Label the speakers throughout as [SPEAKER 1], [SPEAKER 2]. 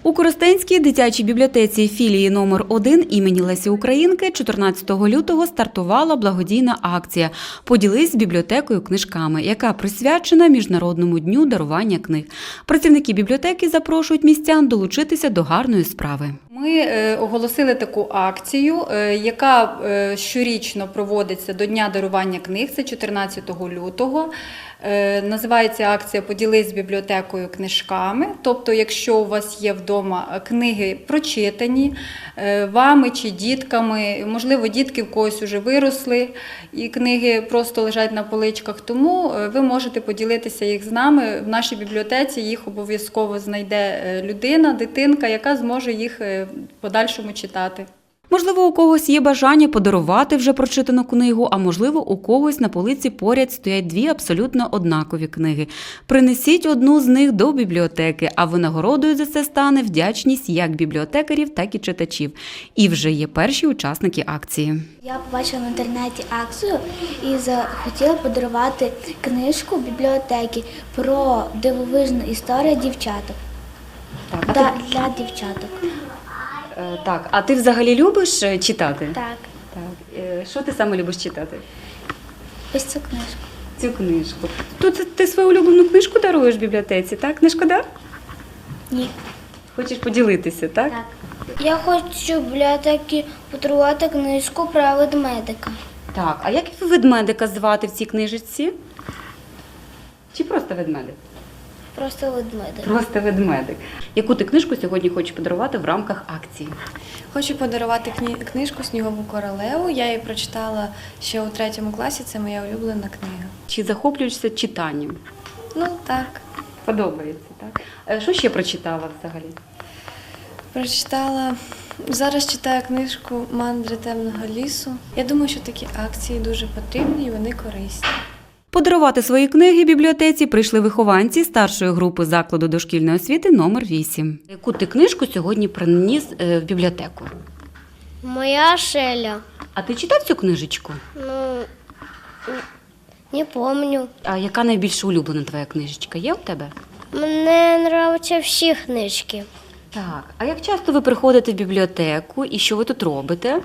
[SPEAKER 1] У Коростенській дитячій бібліотеці філії номер 1 імені Лесі Українки 14 лютого стартувала благодійна акція «Поділись з бібліотекою книжками», яка присвячена Міжнародному дню дарування книг. Працівники бібліотеки запрошують містян долучитися до гарної справи.
[SPEAKER 2] Ми оголосили таку акцію, яка щорічно проводиться до Дня дарування книг, це 14 лютого. Називається акція «Поділись з бібліотекою книжками». Тобто, якщо у вас є вдома книги прочитані вами чи дітками, можливо, дітки в когось вже виросли і книги просто лежать на поличках, тому ви можете поділитися їх з нами. В нашій бібліотеці їх обов'язково знайде людина, дитинка, яка зможе їх в подальшому читати.
[SPEAKER 1] Можливо, у когось є бажання подарувати вже прочитану книгу, а можливо, у когось на полиці поряд стоять дві абсолютно однакові книги. Принесіть одну з них до бібліотеки, а винагородою за це стане вдячність як бібліотекарів, так і читачів. І вже є перші учасники акції.
[SPEAKER 3] Я побачила в інтернеті акцію і захотіла подарувати книжку бібліотеки про дивовижну історію дівчаток. Для дівчаток.
[SPEAKER 1] Так, а ти взагалі любиш читати?
[SPEAKER 3] Так.
[SPEAKER 1] Що ти саме любиш читати?
[SPEAKER 3] Ось цю книжку.
[SPEAKER 1] Цю книжку. Тут ти свою улюблену книжку даруєш в бібліотеці, так? Не шкода?
[SPEAKER 3] Ні.
[SPEAKER 1] Хочеш поділитися, так?
[SPEAKER 3] Так. Я хочу в бібліотеці подарувати книжку про ведмедика.
[SPEAKER 1] Так, а як ведмедика звати в цій книжечці? Чи просто ведмедик?
[SPEAKER 3] Просто ведмедик.
[SPEAKER 1] Просто ведмедик. Яку ти книжку сьогодні хочеш подарувати в рамках акції?
[SPEAKER 4] Хочу подарувати книжку «Снігову королеву». Я її прочитала ще у 3 класі, це моя улюблена книга.
[SPEAKER 1] Чи захоплюєшся читанням?
[SPEAKER 4] Ну, так.
[SPEAKER 1] Подобається, так? Що ще прочитала взагалі?
[SPEAKER 4] Зараз читаю книжку «Мандри темного лісу». Я думаю, що такі акції дуже потрібні і вони корисні.
[SPEAKER 1] Подарувати свої книги бібліотеці прийшли вихованці старшої групи закладу дошкільної освіти номер 8. Яку ти книжку сьогодні приніс в бібліотеку?
[SPEAKER 5] Моя Шеля.
[SPEAKER 1] А ти читав цю книжечку?
[SPEAKER 5] Ну, не помню.
[SPEAKER 1] А яка найбільш улюблена твоя книжечка? Є у тебе?
[SPEAKER 5] Мені подобаються всі книжки.
[SPEAKER 1] Так. А як часто ви приходите в бібліотеку і що ви тут робите?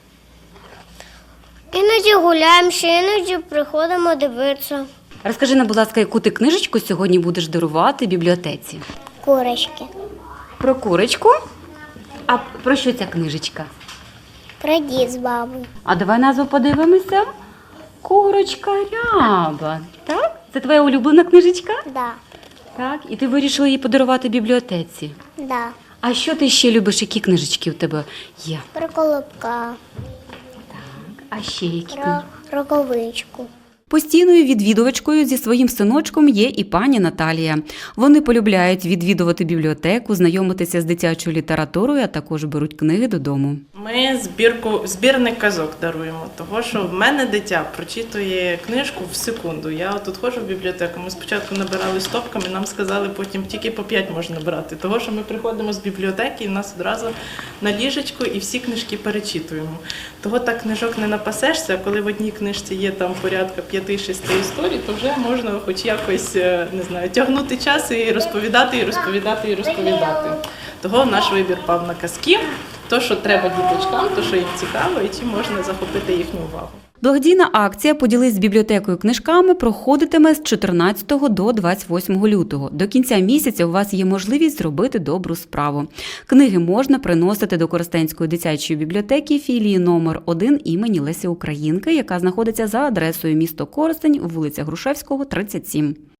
[SPEAKER 5] Іноді гуляємося, іноді приходимо дивитися.
[SPEAKER 1] Розкажи нам, будь ласка, яку ти книжечку сьогодні будеш дарувати бібліотеці?
[SPEAKER 5] Курочки.
[SPEAKER 1] Про курочку? А про що ця книжечка?
[SPEAKER 5] Про дід з бабою.
[SPEAKER 1] А давай назву подивимося. Курочка Ряба. Так? Це твоя улюблена книжечка?
[SPEAKER 5] Да.
[SPEAKER 1] Так. І ти вирішила її подарувати бібліотеці.
[SPEAKER 5] Да.
[SPEAKER 1] А що ти ще любиш? Які книжечки у тебе є?
[SPEAKER 5] Про колобка.
[SPEAKER 1] А ще які?
[SPEAKER 5] Про роковичку.
[SPEAKER 1] Постійною відвідувачкою зі своїм синочком є і пані Наталія. Вони полюбляють відвідувати бібліотеку, знайомитися з дитячою літературою, а також беруть книги додому.
[SPEAKER 6] Ми збірник казок даруємо, того що в мене дитя прочитує книжку в секунду. Я тут ходжу в бібліотеку, ми спочатку набирали стопками, нам сказали, потім тільки по 5 можна брати. Того що ми приходимо з бібліотеки, і в нас одразу на ліжечку і всі книжки перечитуємо. Того так книжок не напасешся, а коли в одній книжці є там порядка 5-6 історій, то вже можна хоч якось, не знаю, тягнути час і розповідати, і розповідати, і розповідати. Того наш вибір пав на казки, то, що треба діточкам, то, що їм цікаво, і чим можна захопити їхню увагу.
[SPEAKER 1] Благодійна акція «Поділись з бібліотекою книжками» проходитиме з 14 до 28 лютого. До кінця місяця у вас є можливість зробити добру справу. Книги можна приносити до Коростенської дитячої бібліотеки філії номер 1 імені Лесі Українки, яка знаходиться за адресою місто Коростень, вулиця Грушевського, 37.